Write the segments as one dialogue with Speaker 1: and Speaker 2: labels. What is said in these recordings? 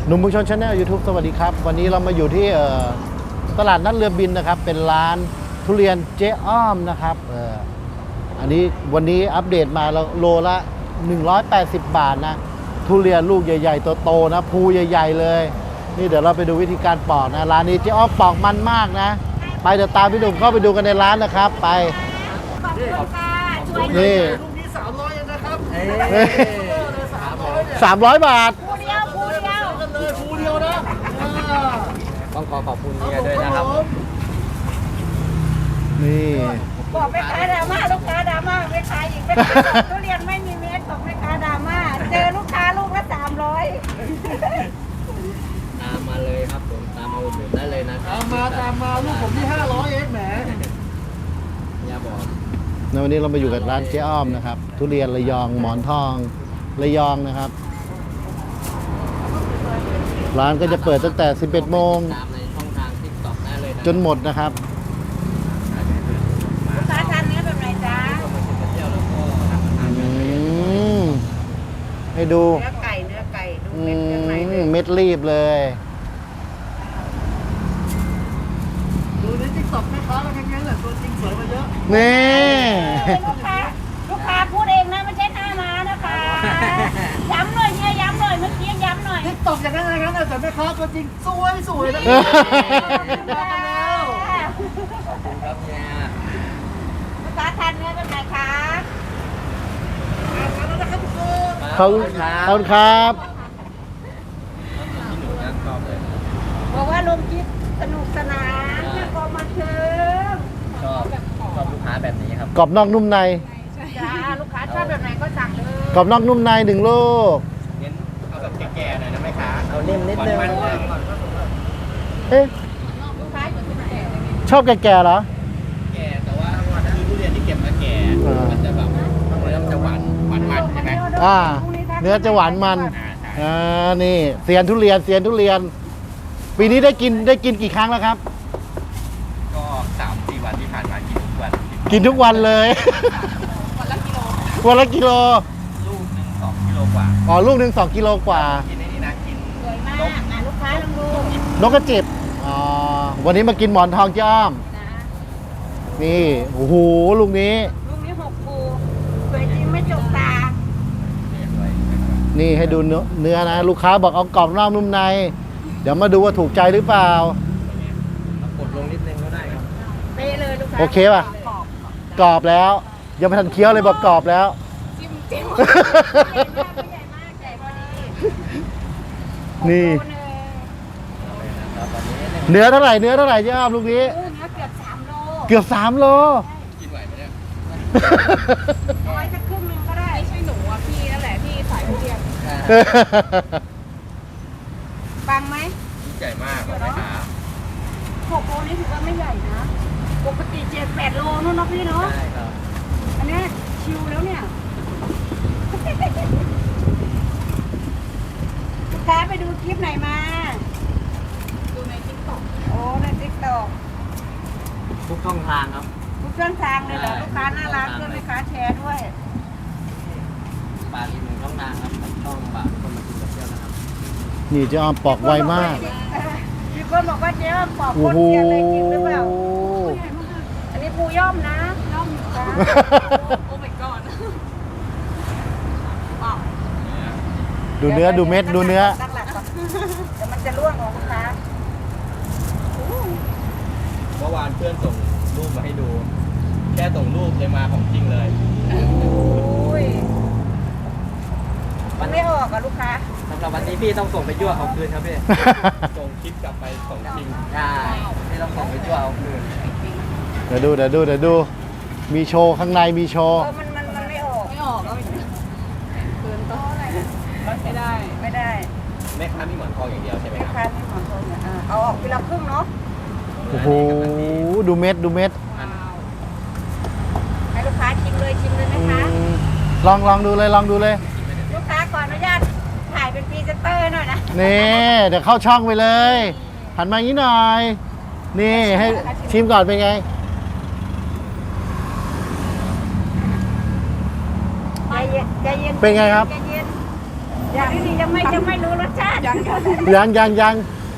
Speaker 1: หนุ่มบุญชนชาแนล YouTube สวัสดีครับวันนี้เรามาอยู่ที่ตลาดนัดเรือบินนะครับเป็นร้านทุเรียนเจ๊อ้อมนะครับอันนี้วันนี้อัปเดตมาโลละ180 บาทนะทุเรียนลูกใหญ่ๆโตๆนะภูใหญ่ๆเลยนี่เดี๋ยวเราไปดูวิธีการปอกนะร้านนี้เจ๊อ้อมปอกมันมากนะไปเดี๋ยวตามพี่หนุ่มเข้าไปดูกันในร้านนะครับไปนี่
Speaker 2: ลูกนี้300เองนะครับ
Speaker 1: 300 บาท
Speaker 2: ภูเดียวกันเลยภูเดียวนะ
Speaker 3: ต้องขอบคุณเมียด้วยนะครับ
Speaker 1: นี่
Speaker 4: บอกแม่ค้าดราม่าลูกค้าดราม่าแม่ค้าอีกแม่ค้าบอกทุเรียนไม่มีเม็ดบอกแม่ค้าดราม่าเจอลูกค้าลูกละ300
Speaker 3: ตามมาเลยครับผมตามมาอุดหนุนได้เลยนะครั
Speaker 2: ตามมาลูกผมที่500เองแหม
Speaker 3: อย่าบอก
Speaker 1: ในวันนี้เรามาอยู่กับร้านเจ๊อ้อมนะครับทุเรียนระยองหมอนทองระยองนะครับร้านก็จะเปิดตั้งแต่ 11 โมง
Speaker 3: ตามในช่องทาง TikTok ได้เลยนะ
Speaker 1: จนหมดนะครับ
Speaker 4: ลูกค้าทานเนื้อแบบไหนจ๊ะ
Speaker 1: ให้ดู
Speaker 4: เนื้อไก่ดูเม็ดข้างในเลย
Speaker 1: เม็ดรีบเลย
Speaker 2: ดูในติ๊กต็อกแม่ค้าแล้วแค่นั้นแหละตัวจริงสวยมาเยอะ
Speaker 1: นี่
Speaker 4: ลูกค้าพูดเองนะไม่ใช่หน้าม้านะคะย้ำหน่อยเนี่ยย้ำหน่อยเมื่อกี้ย้ำหน่อย
Speaker 2: ติ๊กต็อกอย่างนั้นอะไรกันแต่แม่ค้าตัวจริงสวยนะ
Speaker 3: ขอบคุณครับเนี่ย
Speaker 4: ลูกค้าทานเนื้อแบบไหนคะ
Speaker 1: ขอบคุณครับ
Speaker 4: บอกว่าลงคลิปสนุกสนานแค่พอมาเชิญ
Speaker 3: ชอบลูกค้าแบบนี้ครับ
Speaker 1: กรอบนอกนุ่มใน
Speaker 4: จ้าลูกค้าชอบแบบไหนก็สั่งเลย
Speaker 1: กรอบนอกนุ่มใน1 ลูก
Speaker 3: เน้นเอาแบบแก่ๆหน่อยนะแม่ค้าเอานิ่มนิดนึง
Speaker 1: เอ๊ะ
Speaker 4: ลูกค้าอยู่ที่ไหน
Speaker 1: ชอบแก่ๆเหรอ
Speaker 3: แก่แต่ว่าคือทุเรียนที่เก็บมาแก่มันจะแบบเนื้อมันจะหวานใช่ไหม
Speaker 1: เนื้อจะหวานมันนี่เซียนทุเรียนปีนี้ได้กินกี่ครั้งแล้วครับ
Speaker 3: ก็ 3-4 วันที่ผ่านมากินทุกวัน
Speaker 1: กินทุกวันเลย วันละกิโล
Speaker 3: ลูกหนึ่ง2 กิโลกว่า
Speaker 1: อ๋อลูกหนึ่ง2 กิโลกว่า
Speaker 3: กินในนี้นะกิน
Speaker 4: สวยมากลูกค้าลองดู
Speaker 1: นกกระจิบอ๋อวันนี้มากินหมอนทองเจ้าอ้อม
Speaker 4: นะ
Speaker 1: นี่โอ้โหลูกนี้
Speaker 4: ลูกนี้6 ภูสวยจริงไม่จกตา
Speaker 1: นี่ให้ดูเนื้อนะ ลูกค้าบอกเอากรอบนอกนุ่มใน เดี๋ยวมาดูว่าถูกใจหรือเปล่า
Speaker 3: กดลงนิดนึงก็ได้ครับ
Speaker 4: เป๊ะเลยลูกค้า
Speaker 1: โอเคป่ะ กรอบแล้วยังไม่ทันเคี้ยวเลยบอกกรอบแล้ว
Speaker 4: จิ้มใหญ่มากใหญ่พอดี
Speaker 1: นี่
Speaker 4: โอ้โห
Speaker 1: เนื้อเท่าไหร่เจ้าอ้อมลูกนี้
Speaker 4: เนื้อเกือบ3 โล
Speaker 1: เกือบ3 โล
Speaker 3: กินไหวไหมเนี่ย
Speaker 4: เอาไว้สักครึ่งหนึงก็ได้ไม่ใช่หนูอ่ะพี่นั่นแหละที่สายทุเรียนฟังไหม
Speaker 3: ใหญ่มากเลยนะคะ
Speaker 4: 6 โลนี่ถือว่าไม่ใหญ่นะปกติ7-8 โลนู่นเนาะพี่เนาะ
Speaker 3: ใช่ครับ
Speaker 4: อันนี้ชิวแล้วเนี่ยลูกค้าไปดูคลิปไหนมาดูในติ๊กต็อกโอ้ในติ๊กต็อก
Speaker 3: ทุกช่องทางครับ
Speaker 4: ทุกช่องทางเลยเหรอลูกค้าน่ารักเพื่อนลูกค้าแชร์ด้วย
Speaker 3: ปลาอีก1 ช่องทางครับช่องปลาคนมากินกับเที่ยวนะครับ
Speaker 1: นี่เจ้าอ้อมปอกไวมาก
Speaker 4: มีคนบอกว่าเจ๊ว่าปอก
Speaker 1: โอ้
Speaker 4: คน
Speaker 1: โห
Speaker 4: เทียนเลยจริงหรือเปล่าอันนี้ปูย่อมนะย่อมจ้าโอ้ my god
Speaker 1: ดูเนื้อดูเม็ดดูเนื้อ
Speaker 4: ตั้งหลักก่อนเดี๋ยวมันจะร่วงของลูกค้า
Speaker 3: เมื่อวานเพื่อนส่งรูปมาให้ดู แค่ส่งรูปเลยมาของจริงเลย
Speaker 4: อุ้ยมันไม่ออกอะลูกค้า
Speaker 3: สำหรับวันนี้พี่ต้องส่งไปยั่วเอาคืนครับพี่ ส่งคลิปกลับไปส่งจริงใช่พี่ต้องส่งไปยั่วเอาคืน
Speaker 1: เดี๋ยวดูมีโชว์ข้างในมีโชว์
Speaker 4: มันไม่ออกไม่ออกแล้วคืนต้องอะไรไม่ได้
Speaker 3: แม่ค้ามีหมอนทองอย่างเดียวใช่ไหม
Speaker 4: ไม่
Speaker 3: ครับ
Speaker 4: ค้าไม่ของทนเนี่ยเอาออกทีละครึ่งเนาะ
Speaker 1: โอ้โหดูเม็ด
Speaker 4: ให้ลูกค้าชิมเลยไหมคะ
Speaker 1: ลองดูเลย
Speaker 4: ลูกค้าขออนุญาตถ่ายเป็นพรีเซนเตอร์หน่อยนะ
Speaker 1: นี่เดี๋ยวเข้าช่องไปเลยหันมาอย่างนี้หน่อย นี่ให้ชิมก่อนเป็นไง
Speaker 4: ใจเย็น
Speaker 1: เป็นไงครับ
Speaker 4: ใจเย็นอย่างนี้ยังไม่รู้รสชาติ
Speaker 1: ยัง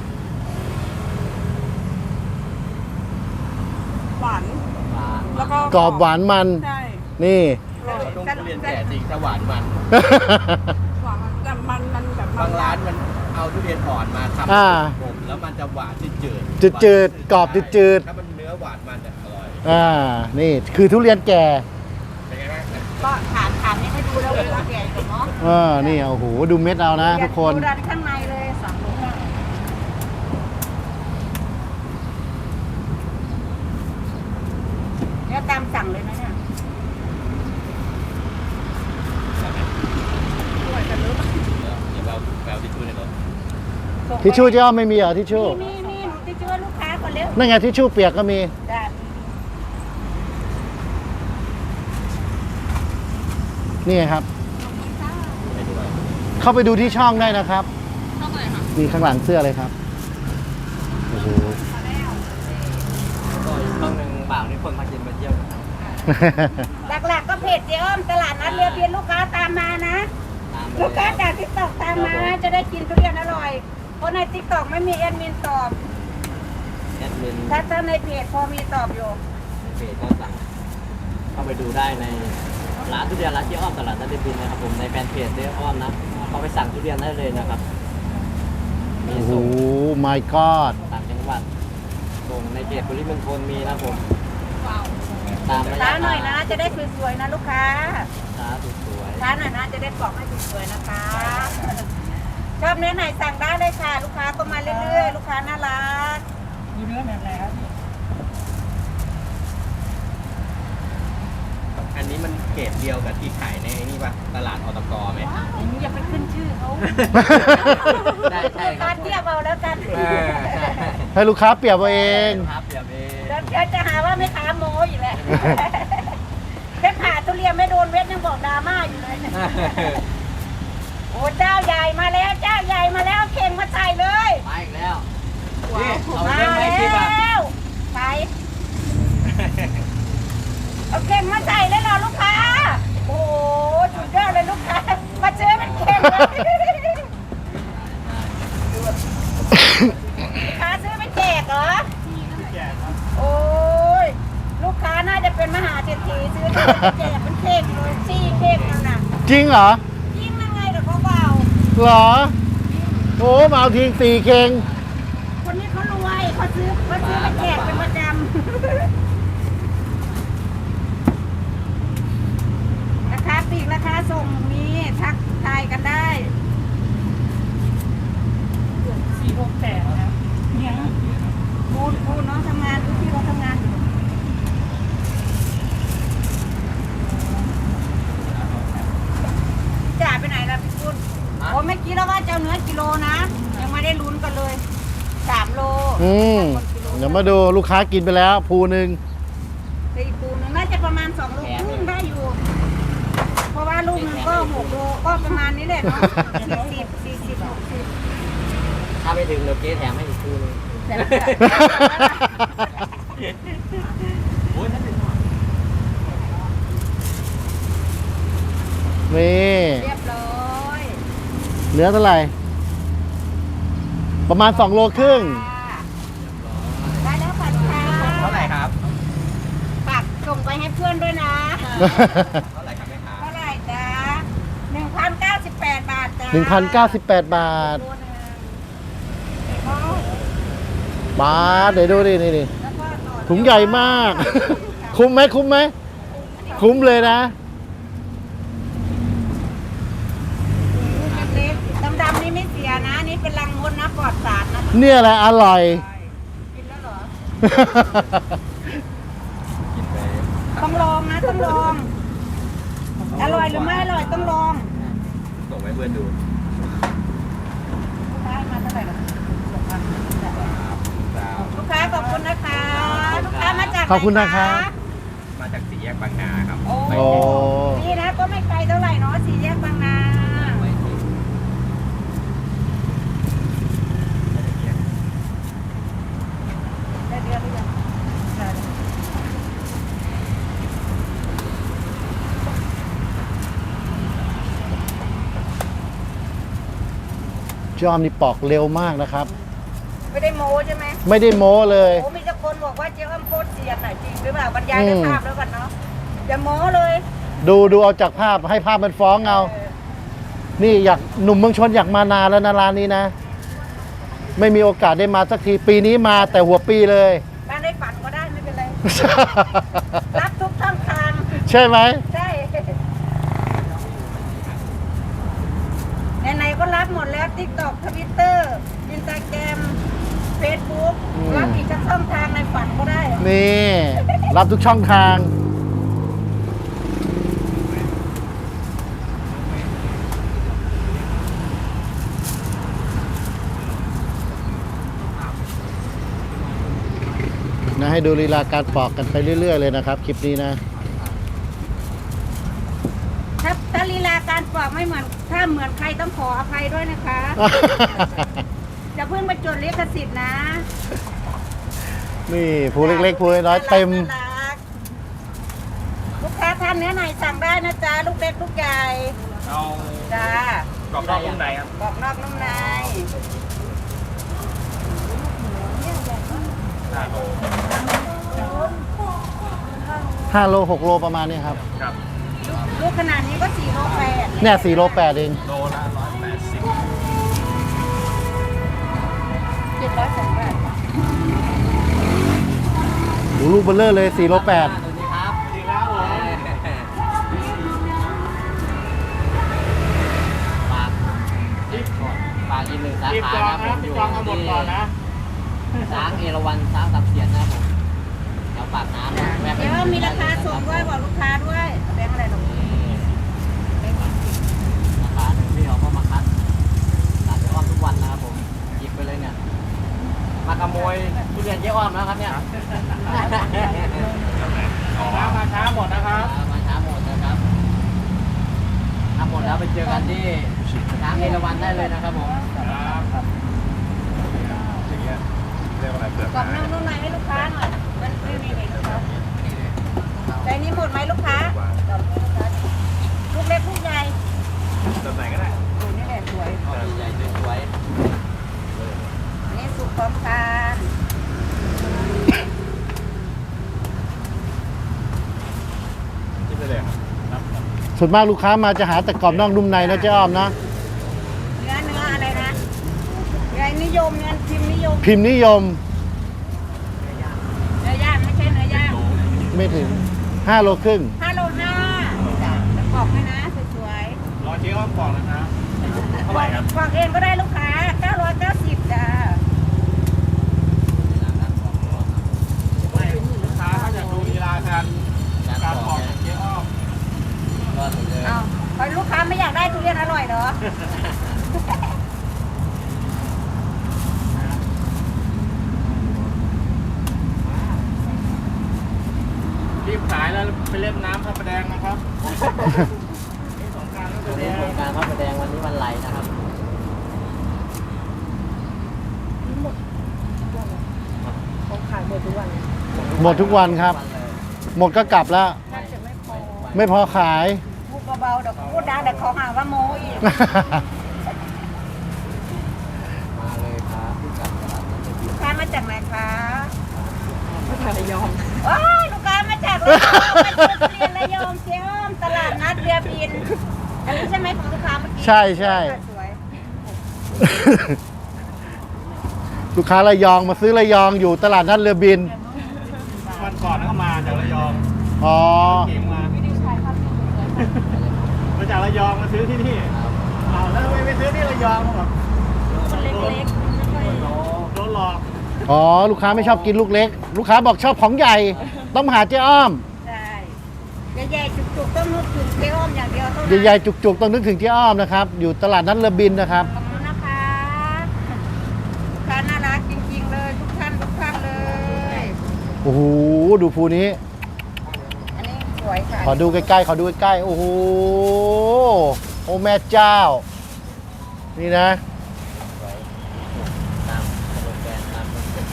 Speaker 5: หวาน แล้วก็
Speaker 1: กรอบหวานมัน
Speaker 5: ใช่
Speaker 1: นี่
Speaker 3: ต้องทุเรียนแก่จริงถ้าหวานมัน
Speaker 5: หวานแต่มันแบบ
Speaker 3: บางร้านมันเอาทุเรียนอ่อนมาทำ
Speaker 1: อ่า
Speaker 3: ผมแล้วมันจะหวานจืด
Speaker 1: จืดๆกรอบจืดๆ
Speaker 3: ถ้ามันเนื้อหวานมันจะอร่อย
Speaker 1: นี่คือทุเรียนแก่
Speaker 3: เป็นไงบ้าง
Speaker 4: ก็ถามนี่ให้ดูแล้วว่าแก่อยู่เนาะ
Speaker 1: นี่โอ้โหดูเม็ดเอานะทุกคน
Speaker 4: ดูด้านข้างในเลยสั่งลงมาเนี่ยตามสั่งเลยนะเนี่ย
Speaker 3: เดี๋ยวแปลทิชชู่ในรถ
Speaker 1: ทิชชู่เจ้าไม่มีเหรอทิชชู่
Speaker 4: มีหนูจะช่วยลูกค้าก่อนเร็ว
Speaker 1: นั่นไงทิชชู่เปียกก็มี
Speaker 4: ได้
Speaker 1: นี่ไงครับ
Speaker 3: ไปด้วย
Speaker 1: เข้าไปดูที่ช่องได้นะครับ
Speaker 5: เท่าไหร่คะ
Speaker 1: มีข้างหลังเสื้อเลยครับโอ้โห
Speaker 3: ก็อีกช่องหนึ่งบ่าวนี่คนมากินมาเที่ยวนะครับ
Speaker 4: หลักๆก็เพจเจ๊อ้อมตลาดนัดเรือเบียนลูกค้าตามมานะ
Speaker 3: ตามไป
Speaker 4: ลูกค้า
Speaker 3: เลย
Speaker 4: จากทิกตอกตามมาจะได้กินทุเรียนอร่อย เพราะในทิกตอกไม่มีแอดมินตอบ
Speaker 3: แอดมิน
Speaker 4: ถ้าในเพจพอมีตอบอยู่
Speaker 3: เพจก็สั่งเข้าไปดูได้ในร้านทุเรียนร้านเจ๊อ้อมตลาดนัดเดบินนะครับผมในแฟนเพจเจ๊อ้อมนะเข้าไปสั่งทุเรียนได้เลยนะครับมี
Speaker 1: โอ้โห
Speaker 3: ส่ง
Speaker 1: my god
Speaker 3: ต่างจังหวัดส่งในเขตปริมณฑลมีนะผมตามระยะ
Speaker 4: ช้าหน่อย
Speaker 3: ท
Speaker 4: นะ
Speaker 3: าง
Speaker 4: จะได้สวยๆนะลูกค้า
Speaker 3: ช้าสวย
Speaker 4: ช้าหน่อยนะจะได้กรอกให้สวยๆนะคะ ชอบเนื้อไหนสั่งได้เลยค่ะ ลูกค้าก็มาเรื่อยๆ ลูกค้าน่ารัก
Speaker 5: มีเนื้อแบบไหนครับ
Speaker 3: ๆอันนี้มันเกรดเดียวกับที่ขายในนี่ปะตลาดอตกไหม
Speaker 4: อย่าไปขึ้นชื่อเขา
Speaker 3: ได้ใช่ค
Speaker 4: กา
Speaker 3: รั
Speaker 4: ร
Speaker 3: บ
Speaker 4: เทียบเอาแล้วกัน
Speaker 3: ใช่
Speaker 1: ให้ลูกค้าเปรียบเอาเอง
Speaker 3: ครับเดี๋ยวเอง
Speaker 4: เดี๋ยวจะหาว่าไม่ค้าโม้อยู่แหละแค่ผ่าทุเรียนไม่โดนเวทยังบอกดราม่าอยู่เลย โอ้เจ้าใหญ่มาแล้วเจ้าใหญ่มาแล้วเข่งมาใส่เลย
Speaker 3: มาอีกแล้ว
Speaker 4: ว้าว
Speaker 3: เอา
Speaker 4: มา
Speaker 3: เรื่องไหม
Speaker 4: แล
Speaker 3: คลิปอ่ะ
Speaker 4: ้วไปเอาเข่งมาใส่เลยเหรอลูกค้า โอ้โหสุดยอดเลยลูกค้ามาเจอเป็นเข่งเลยลูกค้าซื้อไปแจกเหรอโอ้ยลูกค้าน่าจะเป็นมหาเศรษฐีซื้อไปแจกเป็นเข่งเลยซี่เข่งนั่นน่ะ
Speaker 1: จริงเหรอ
Speaker 4: ยิ่งยังไงเดี๋ยวเขาเบา
Speaker 1: เหรอ โอ้มาเอาทิ้ง4เข่ง
Speaker 4: คนนี้เขารวยเขาซื้อไปแจกเป็นประจำราคาปลีกราคาส่งมีทักทายกันได้
Speaker 5: 468นะเนี่ย
Speaker 4: พูดน้องทำงานพี่เราทำงานอยู่จ่าไปไหนล่ะพี่พูดโอ้เมื่อกี้เราว่าจะเอาเนื้อกิโลนะ ยังไม่ได้ลุ้นกันเลย3 โล
Speaker 1: เดี๋ยวมาดูลูกค้ากินไปแล้วภูหนึ่ง
Speaker 4: แต่อีกปูหนึงน่าจะประมาณ2 โลครึ่งได้อยู่ เพราะว่าลูกหนึงก็6 โลก็ประมาณนี้แหละเนาะ40 60
Speaker 3: ถ้าไม่ถึงเดี๋ยวเจ๊แถมให้อีกคู่นึง
Speaker 4: แต่
Speaker 3: โอ้ยถ้าถึง
Speaker 1: นี่
Speaker 4: เรียบร้อย
Speaker 1: เนื้อเท่าไหร่ ประมาณ2 โลครึ่ง
Speaker 4: ได้แล้วค่ะลูกค้า
Speaker 3: เท่าไหร่ครับ
Speaker 4: ฝากส่งไปให้เพื่อนด้วยนะ
Speaker 3: เท่าไหร่ครับแม่ค้า
Speaker 4: เท่าไหร่จ๊ะ1,098 บาทจ้ะ
Speaker 1: 1,098 บาท
Speaker 4: ตัวหนึ่ง
Speaker 1: บาทเดี๋ยวดูดินี่
Speaker 4: แล้วก็ต่อ
Speaker 1: ถุงใหญ่มาก คุ้มไหมคุ้มไหม คุ้มเลยนะ
Speaker 4: ลูกเล็กๆดำๆนี่ไม่เสียนะ นี่เป็นรังมดนะปลอดสารนะ
Speaker 1: เนี่ยแหละอร่อย
Speaker 4: กินแล้วเหรอ
Speaker 3: กินไป
Speaker 4: ต้องลองนะ ต้องลอง อร่อยหรือไม่อร่อยต้องลอง
Speaker 3: ส่งให้เพื่อนดู
Speaker 4: ลูกค้ามาเท่าไหร่ล่ะ
Speaker 3: ครับ
Speaker 4: ลูกค้าขอบคุณนะคะ ลูกค้ามาจากไหน
Speaker 1: ขอบคุณนะครับ
Speaker 3: มาจากสี่แยกบางนาครับ
Speaker 4: โอ้
Speaker 1: โอ้
Speaker 4: นี่นะก็ไม่ไกลเท่าไหร่เนาะสี่แยกบางนา
Speaker 3: ไว้ที่
Speaker 4: ได้เดือนหรือยังได้
Speaker 1: เจ๊อ้อมนี่ปอกเร็วมากนะครับ
Speaker 4: ไม่ได้โม้ใช่ไหม
Speaker 1: ไม่ได้โม้เลย
Speaker 4: โอ้มีแต่คนบอกว่าเจ๊อ้อมโคตรเสียนน่ะจริงหรือเปล่าบรรยายด้วยภาพแล้วกันเนาะอย่าโม้เลย
Speaker 1: ดูเอาจากภาพให้ภาพมันฟ้องเอา นี่อยากหนุ่มเมืองชนอยากมานานแล้วนะร้านนี้นะ ไม่มีโอกาสได้มาสักทีปีนี้มาแต่หัวปีเลย
Speaker 4: บ้านได้ฝันก็ได้ไม่เป็นไร รับทุกช่องทาง
Speaker 1: ใช่ไหม
Speaker 4: ใช่ไหนๆก็รับหมดแล้ว TikTok Twitter Instagram Facebook รับอีกสักช่องทางในฝันก็ได้
Speaker 1: นี่ รับทุกช่องทาง นะให้ดูลีลาการปอกกันไปเรื่อย ๆ เลยนะครับ คลิปนี้นะ
Speaker 4: ถ้าลีลาการปอกไม่เหมือนถ้าเหมือนใครต้องขออภัยด้วยนะคะจะเพิ่งมาจดลิขสิทธิ์นะ
Speaker 1: นี่ผู้เล็กๆผู้น้อยๆเต็ม
Speaker 4: น่ารักลูกค้าท่านเนื้อไหนสั่งได้นะจ๊ะลูกเล็กลูกใหญ่
Speaker 2: เอา
Speaker 4: จ้าก
Speaker 2: รอบนอกนุ่มในครับ
Speaker 4: กรอบนอกนุ่มใน
Speaker 1: 5 โล 6 โลประมาณนี้ครับ
Speaker 2: ครับ
Speaker 4: ลูกขนาดนี้ก็4 โล 8
Speaker 1: เนี่ย4 โล 8 เอง
Speaker 2: โลละ180
Speaker 4: 702 บาท
Speaker 1: ดูลูกเบลเลอร์เลย 4 โล 8
Speaker 3: สวัสดีครับ
Speaker 2: จริงแล้วผม
Speaker 3: ฝากฝากอีกหนึ่งสา
Speaker 2: รีบ
Speaker 3: ขา
Speaker 2: จอง
Speaker 3: นะผ
Speaker 2: นะ
Speaker 3: มอ
Speaker 2: รีบ
Speaker 3: ยู่
Speaker 2: จองเอาหมดก่อนนะ
Speaker 3: ช้างเอราวัณช้างสับเสียนนะครับผมเดี๋ยวปากน้ำนะแวะไป
Speaker 4: เดี๋ยวมีราคาส่งด้วยบอกลูกค้าด้วยแบงค์อะไรหรอกแบงค์20
Speaker 3: ราคาหนึ่งพี่เขาก็มาคัดร้านเจ๊อ้อมทุกวันนะครับผมหยิบไปเลยเนี่ยมาขโมยทุเรียนเจ๊อ้อมนะครับเนี่ย
Speaker 2: มาช้าหมดนะครับ
Speaker 3: มาช้าหมดนะครับถ้าหมดแล้วไปเจอกันที่ช้างเอราวัณได้เลยนะครับผม
Speaker 2: เรียกว่าอะไรเปลือก
Speaker 4: กรอบนอกนุ่มในให้ลูกค้าหน่อยมันนี่ครับใจนี้หมดไหมลูกค้ากรอบนี้ลูกค้าลูกเล็กลูกใหญ่
Speaker 2: แบบไหนก็ได้
Speaker 4: โอ้นี่แหละสวย
Speaker 3: ใหญ่ๆสวย
Speaker 4: อันนี้สุกพร้อมทาน
Speaker 2: จิ้มไปเลยครับ
Speaker 1: ส่วนมากลูกค้ามาจะหาแต่กรอบนอกนุ่มในนะเจ๊อ้อมนะ
Speaker 4: เนื้ออะไรนะเนื้อนิยมเนื้อพิมพ์นิยม
Speaker 1: พิมพ์นิยม
Speaker 4: เนื้อย่างไม่ใช่เนื้อย่าง
Speaker 1: ไม่ถึง 5 โลครึ่ง
Speaker 4: 5 โล 5จ้ะจะกรอบให้นะสวย
Speaker 2: รอเจ๊อ้อมก่อนนะครับ
Speaker 4: ๆ
Speaker 2: เท่าไหร่ครับ
Speaker 4: กรอบเองก็ได้ลูกค้า 990จ้ะ
Speaker 2: ไม่ลูกค้าถ้าอยากดูลีลาการปอกของเจ๊อ้อม
Speaker 3: ก็ถึงเลย
Speaker 4: เอาพอลูกค้าไม่อยากได้ทุเรียนอร่อยเหรอ
Speaker 2: รีบขายแล้วไปเล่นน้ำพระประแดงนะครับสงกรารก็จะ
Speaker 3: วัน
Speaker 2: แด
Speaker 3: นี้
Speaker 2: ง
Speaker 3: โครงการพระประแดงวันนี้วันไหลนะครับ
Speaker 1: หมดทุกวันครับ หมดก็กลับแล้ว
Speaker 4: น่าจะไม่พอ
Speaker 1: ไม่พอขาย
Speaker 4: พูดเบาๆเดี๋ยวพูดดังเดี๋ยวเขาหาว่าโม้อีก
Speaker 3: มาเลยครับที่กับตลาดนัดเดบิว
Speaker 4: ลู
Speaker 3: ต์
Speaker 4: กค้ามาจากไหนคะ
Speaker 5: มาจากระยอง
Speaker 4: โอ้ยลูกค้ามาจากระยองมาจากทุเรียนระยองเจ้มตลาดนัดเรือบิน อันนี้ใช่ไหมของลูกค้าเมื่อกี้
Speaker 1: ใช่ใช่
Speaker 4: สวย
Speaker 1: ลูกค้าระยองมาซื้อระยองอยู่ตลาดนัดเรือบิน
Speaker 2: วันก่อนก็มาจากระยอง
Speaker 1: อ๋อ
Speaker 2: เก่งมามาจากระยองมาซื้อที่นี่เอาแล้วทำไมไปซื้อที่ระยองแบบ
Speaker 4: มันเล็กๆไม่ค่อย
Speaker 2: โดนหลอก
Speaker 1: อ๋อ ลูกค้าไม่ชอบกินลูกเล็ก ลูกค้าบอกชอบของใหญ่ ต้องมาหาเจ๊อ้อม
Speaker 4: ใช่ใหญ่ๆจุกๆต้องนึกถึงเจ๊อ้อมอย่างเดียวเท่านั้น
Speaker 1: ใหญ่ๆจุกๆต้องนึกถึงเจ๊อ้อมนะครับ อยู่ตลาดนัดเรือบินนะครับ
Speaker 4: ขอบคุณนะคะลูกค้าน่ารักจริงๆเลยทุกท่านเลย
Speaker 1: โอ้โห ดูภูนี้
Speaker 4: อันนี้สวยค่ะ
Speaker 1: ขอดูใกล้ๆ ขอดูใกล้ๆ โอ้โห โอ้แม่เจ้า นี่นะ
Speaker 3: ตามสโลแกนตามคอนเซ็ปต์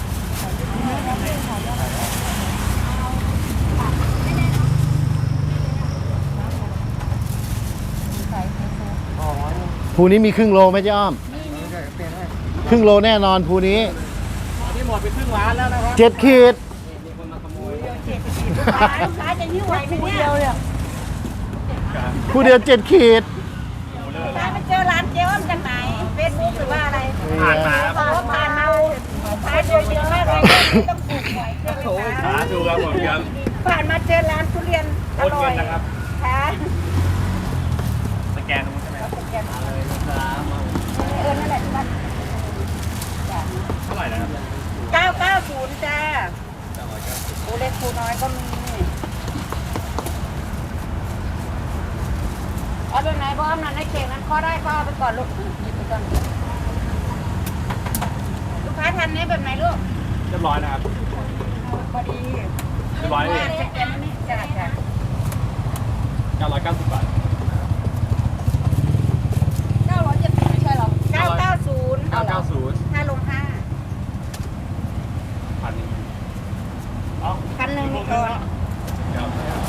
Speaker 1: ภูนี้มีครึ่งโลไหมเจ๊อ้อม
Speaker 4: นี่
Speaker 1: ครึ่งโลแน่นอนภูนี้
Speaker 2: อันนี้หมดไปครึ่งล้านแล้วนะครับ
Speaker 1: 7 ขีด
Speaker 3: มีคนมาขโมย
Speaker 4: ลูกค้าจะยิ้วไหวไหมเนี่ย
Speaker 1: ผู้เดียว 7 ขีด
Speaker 4: ลูกค้าไปเจอร้านเจ๊อ้อมจากไหนเฟซบุ๊กหรือว่าอะไร
Speaker 2: ผ่านมา
Speaker 4: อ๋อผ่านมาลูกค้าเจอเยอะมากเลยต้องปลูกหวยใช่ไหม
Speaker 2: สา
Speaker 4: คะ
Speaker 2: ธุครับผมยัง
Speaker 4: ผ่านมาเจอร้านทุเรียนอ
Speaker 2: โอน
Speaker 4: ร่อ
Speaker 2: เงิ
Speaker 4: ย
Speaker 2: นนะครับ
Speaker 4: ค่ะ
Speaker 2: สแกนตรงนู้นใช่ไหมครับ
Speaker 3: เลยนะครับ
Speaker 4: นั่นแหละที่บ้าน
Speaker 2: เท่าไหร่นะครับ
Speaker 4: 990จ้าปูเล็กปูน้อยก็มีเอาไปไหนบ้อมนั่นในเข่งนั้นข้อได้ก็เอาไปก่อนลูกหยิบไปก่อนลูกค้าทานเนี้ยแบบไหนลูก
Speaker 2: เรียบร้อยนะครับ
Speaker 4: พอดี
Speaker 2: เรียบร้อยเลย
Speaker 4: สแกนนี่จ้าจ้า
Speaker 2: 990 บาท
Speaker 5: 970ไม่ใช่หรอ
Speaker 4: 990
Speaker 2: 990
Speaker 4: 5ลง5
Speaker 2: พันหนึ่งเอา
Speaker 4: พันหนึ่งนี่ก่อน
Speaker 2: ครับ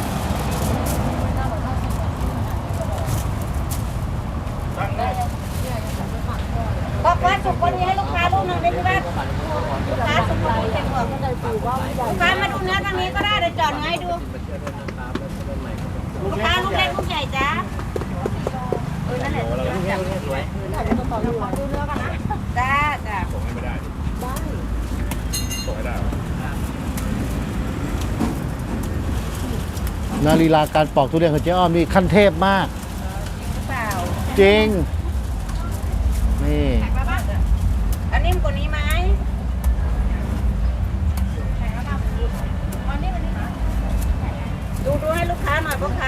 Speaker 4: บอกว่าสุกวันนี้ให้ลูกค้าลูกหนึ่งได้ไหมลูกค้าสุกวันนี้เห็นบอกลูกค้ามาดูเนื้อทางนี้ก็ได้เดี๋ยวจอดให้ดู ลูกค้าลูกเล็กลูกใหญ่จ้านั่นแหละ
Speaker 3: สวย
Speaker 4: ดูเนื้อกันนะจ้าจ้า
Speaker 2: ส่งให้ไม่ได้ส่งให้ได้
Speaker 1: นาลีลาการปอกทุเรียนของเจ๊อ้อมนี่ขั้นเทพมาก
Speaker 4: หรือเปล่า
Speaker 1: จริง นี่
Speaker 4: แข็งแล้วบ้างอันนี้มันกว่านี้ไหมแข็งแล้วบ้างวันนี้ดูให้ลูกค้าหน่อยพ่อค้า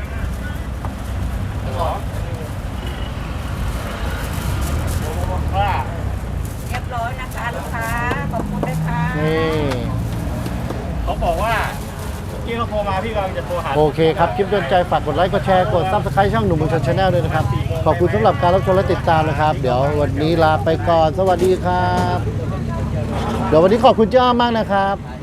Speaker 2: ว่า
Speaker 4: เรียบร้อยนะคะลูกค้าขอบคุณด้วยค่ะ
Speaker 1: นี่
Speaker 2: เขาบอกว่าเมื่อกี้เขาโทรมาพี่กำลังจะโทรหา
Speaker 1: โอเคครับ คลิปโดนใจฝากกดไลค์ กดแชร์ กด Subscribe ช่องหนุ่มเมืองชนชาแนลด้วยนะครับ ขอบคุณสำหรับการรับชมและติดตามนะครับ เดี๋ยววันนี้ลาไปก่อน สวัสดีครับ เดี๋ยววันนี้ขอบคุณเจ้าอ้อมมากนะครับ
Speaker 3: ใช่